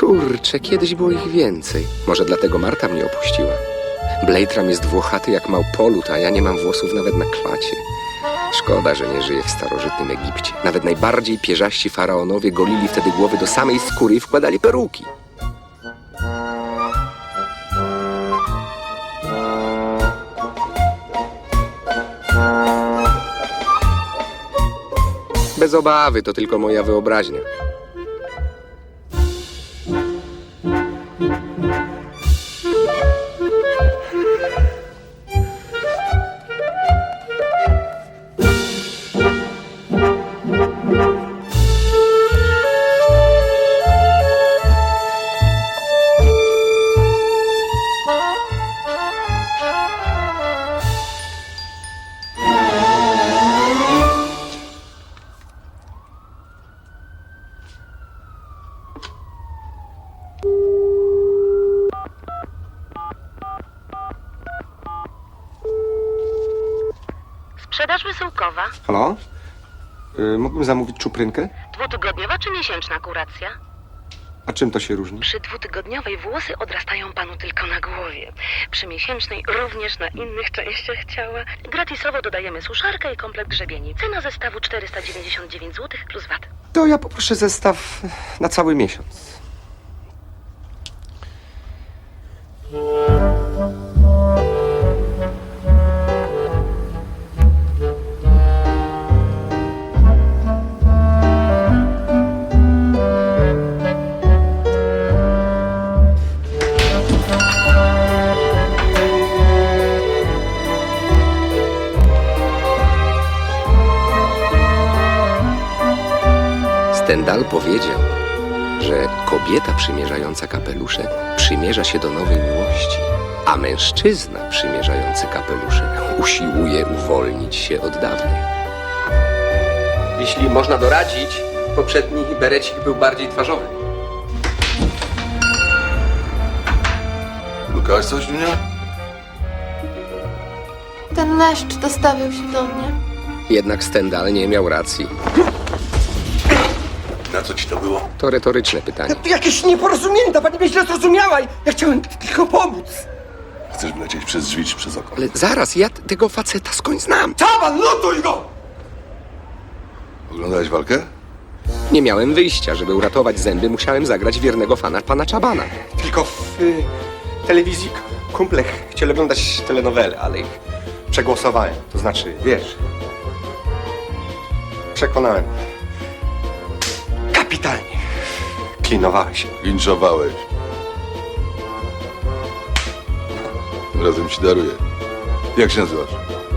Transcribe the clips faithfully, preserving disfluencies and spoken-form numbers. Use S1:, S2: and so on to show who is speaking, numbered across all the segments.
S1: Kurczę, kiedyś było ich więcej. Może dlatego Marta mnie opuściła. Bladeram jest włochaty jak małpolut, a ja nie mam włosów nawet na klacie. Szkoda, że nie żyję w starożytnym Egipcie. Nawet najbardziej pierzaści faraonowie golili wtedy głowy do samej skóry i wkładali peruki. Bez obawy, to tylko moja wyobraźnia.
S2: Sprzedaż wysyłkowa.
S1: Halo? Yy, mógłbym zamówić czuprynkę?
S2: Dwutygodniowa czy miesięczna kuracja?
S1: A czym to się różni?
S2: Przy dwutygodniowej włosy odrastają panu tylko na głowie. Przy miesięcznej również na innych częściach ciała. Gratisowo dodajemy suszarkę i komplet grzebieni. Cena zestawu czterysta dziewięćdziesiąt dziewięć złotych plus V A T.
S1: To ja poproszę zestaw na cały miesiąc. Stendhal powiedział, że kobieta przymierzająca kapelusze przymierza się do nowej miłości, a mężczyzna przymierzający kapelusze usiłuje uwolnić się od dawnej. Jeśli można doradzić, poprzedni berecik był bardziej twarzowy.
S3: Lukałaś coś, Dunia?
S4: Ten leszcz dostawił się do mnie.
S1: Jednak Stendhal nie miał racji.
S3: Na co ci to było?
S1: To retoryczne pytanie.
S5: To jakieś nieporozumienie, pani mnie źle zrozumiała. Ja chciałem tylko pomóc.
S3: Chcesz wlecieć przez drzwi czy przez okno?
S1: Ale zaraz, ja t- tego faceta skądś znam.
S5: Czaban, lutuj go!
S3: Oglądałeś walkę?
S1: Nie miałem wyjścia, żeby uratować zęby, musiałem zagrać wiernego fana pana Czabana.
S6: Tylko w y, telewizji k- kumple ch- chcieli oglądać telenowele, ale ich przegłosowałem. To znaczy, wiesz, przekonałem. Kapitalnie. Klinowałeś się.
S3: Linczowałeś. Tym razem ci daruję. Jak się nazywasz?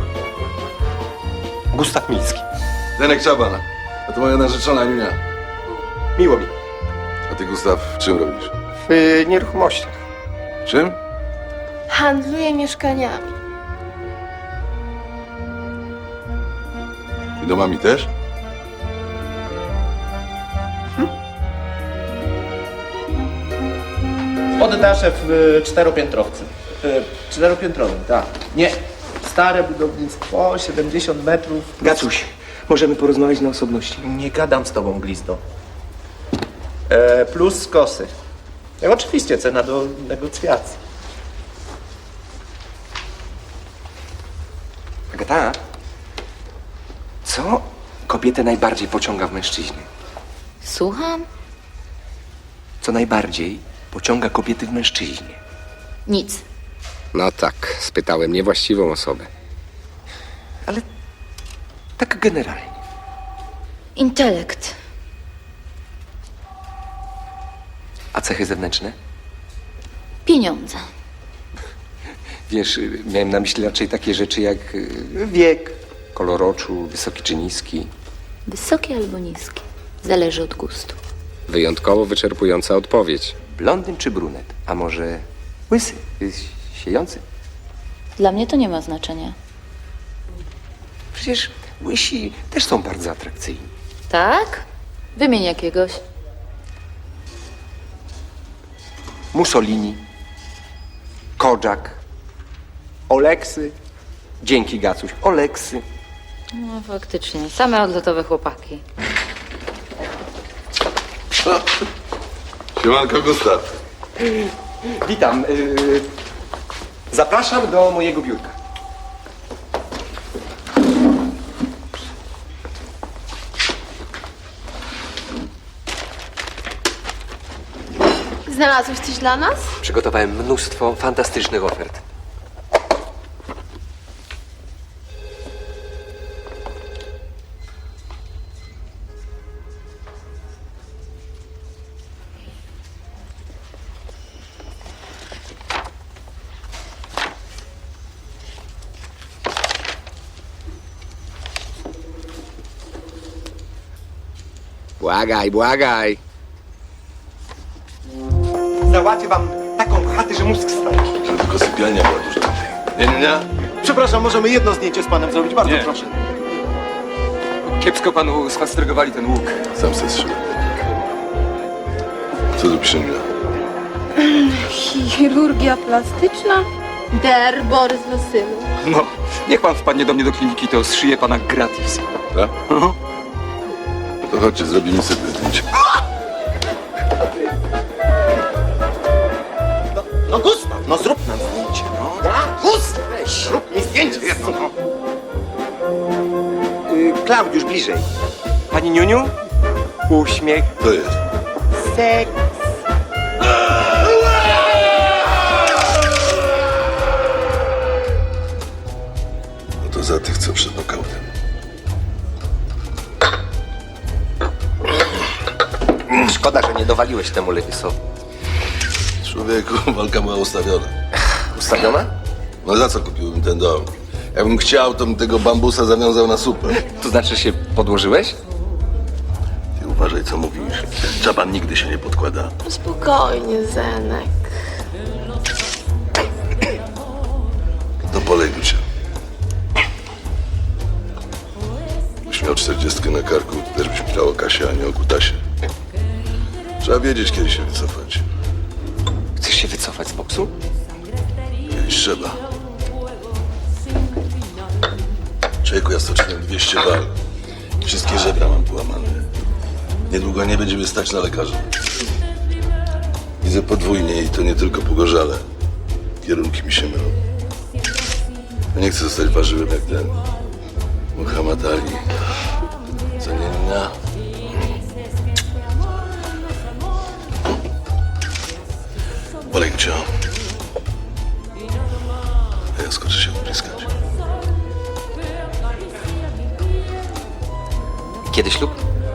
S6: Gustaw Milski.
S3: Zenek Czabana. A to moja narzeczona Junia.
S6: Miło mi.
S3: A ty, Gustaw, czym robisz?
S6: W y, nieruchomościach.
S3: Czym?
S4: Handluje mieszkaniami.
S3: I domami też?
S7: Poddasze w y, czteropiętrowcu. Y, czteropiętrowym, tak. Nie. Stare budownictwo, siedemdziesiąt metrów.
S5: Gacuś, możemy porozmawiać na osobności.
S7: Nie gadam z tobą, glizdo. E, plus skosy. E, oczywiście cena do negocjacji.
S1: Agata, co kobietę najbardziej pociąga w mężczyźnie?
S8: Słucham?
S1: Co najbardziej pociąga kobiety w mężczyźnie?
S8: Nic.
S1: No tak, spytałem niewłaściwą osobę. Ale tak generalnie.
S8: Intelekt.
S1: A cechy zewnętrzne?
S8: Pieniądze.
S1: Wiesz, y, miałem na myśli raczej takie rzeczy jak y, wiek, kolor oczu, wysoki czy niski.
S8: Wysokie albo niskie. Zależy od gustu.
S1: Wyjątkowo wyczerpująca odpowiedź. Blondyn czy brunet? A może łysy, y, siejący?
S8: Dla mnie to nie ma znaczenia.
S1: Przecież łysi też są bardzo atrakcyjni.
S8: Tak? Wymień jakiegoś.
S1: Mussolini, Kodżak, Oleksy. Dzięki, Gacuś. Oleksy.
S8: No faktycznie, same odlotowe chłopaki.
S3: Siemanko, Gustaw.
S6: Witam. Yy, zapraszam do mojego biurka.
S4: Znalazłeś coś dla nas?
S9: Przygotowałem mnóstwo fantastycznych ofert.
S1: Błagaj, błagaj.
S6: Załatwię wam taką chatę, że mózg staje.
S3: Że tylko sypialnia była duża. Nie, nie, nie.
S7: Przepraszam, możemy jedno zdjęcie z panem zrobić? Bardzo proszę.
S9: Kiepsko panu sfastrygowali ten łuk.
S3: Sam se strzelił. Co tu pisze Mila?
S4: Chirurgia plastyczna? Der Borys Wasylu.
S9: No, niech pan wpadnie do mnie do kliniki, to zszyję pana gratis.
S3: Tak? To chodźcie, zrobimy sobie zdjęcie.
S7: No Gustaw, no zrób nam zdjęcie, no. Gustaw, weź, zrób mi zdjęcie jedno, no.
S6: Yy, Klaudiusz, bliżej. Pani Niuniu? Uśmiech.
S3: To jest.
S6: Seks.
S3: No to za tych, co przed nokautem.
S1: Szkoda, że nie dowaliłeś temu Lewisowi.
S3: Człowieku, walka była ustawiona.
S1: Ustawiona?
S3: No za co kupiłbym ten dom? Jakbym chciał, to bym tego bambusa zawiązał na supę.
S1: To znaczy się podłożyłeś?
S3: Ty uważaj, co mówisz. Czaban nigdy się nie podkłada.
S4: Spokojnie, Zenek.
S3: To polejmy się. Byś miał czterdziestkę na karku, to też byś myślał o Kasie, a nie o kutasie. Trzeba wiedzieć, kiedy się wycofać.
S1: Chcesz się wycofać z boksu?
S3: Kiedyś trzeba. Człowieku, ja stoczyłem dwieście wal. Wszystkie żebra mam połamane. Niedługo nie będziemy stać na lekarza. Widzę podwójnie i to nie tylko po gorzale. Kierunki mi się mylą. Ja nie chcę zostać ważyłem jak ten Muhammad Ali. Co nie na. Bolej cię. A ja skoczę się ubliskać.
S1: Kiedy ślub?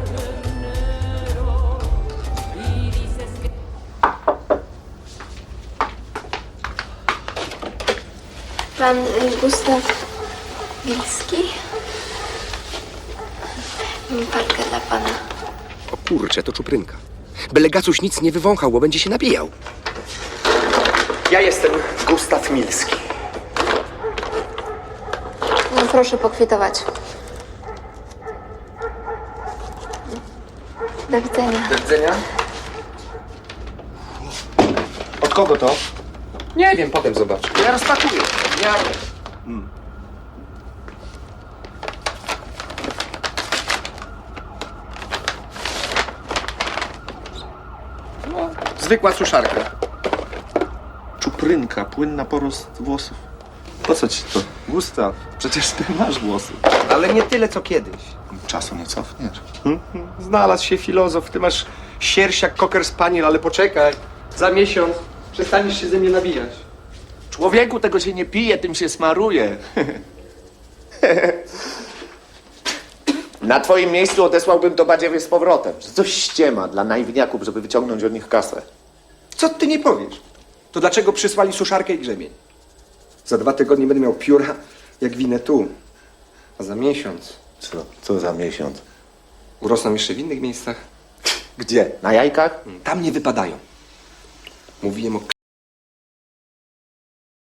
S4: Pan y, Gustaw Wilski? Mam paczkę dla pana.
S1: O kurczę, to czuprynka. Byle Gacuś nic nie wywąchał, bo będzie się nabijał.
S6: Ja jestem Gustaw Milski.
S8: No proszę pokwitować. Do widzenia.
S1: Do widzenia.
S6: Od kogo to?
S1: Nie wiem, potem zobacz.
S6: Ja rozpakuję. Ja... Zwykła suszarka.
S7: Czuprynka, płynna porost włosów. Po co ci to? Gustaw, przecież ty masz włosy.
S6: Ale nie tyle, co kiedyś.
S7: Czasu nie cofniesz.
S6: Znalazł się filozof. Ty masz sierść jak koker spaniel, ale poczekaj. Za miesiąc przestaniesz się ze mnie nabijać.
S7: Człowieku, tego się nie pije, tym się smaruje. Na twoim miejscu odesłałbym to badziewie z powrotem. Że coś ściema dla naiwniaków, żeby wyciągnąć od nich kasę.
S6: Co ty nie powiesz? To dlaczego przysłali suszarkę i grzebień? Za dwa tygodnie będę miał pióra jak winę tu. A za miesiąc
S7: Co? Co za miesiąc?
S6: urosną jeszcze w innych miejscach.
S7: Gdzie? Na jajkach?
S6: Tam nie wypadają. Mówiłem o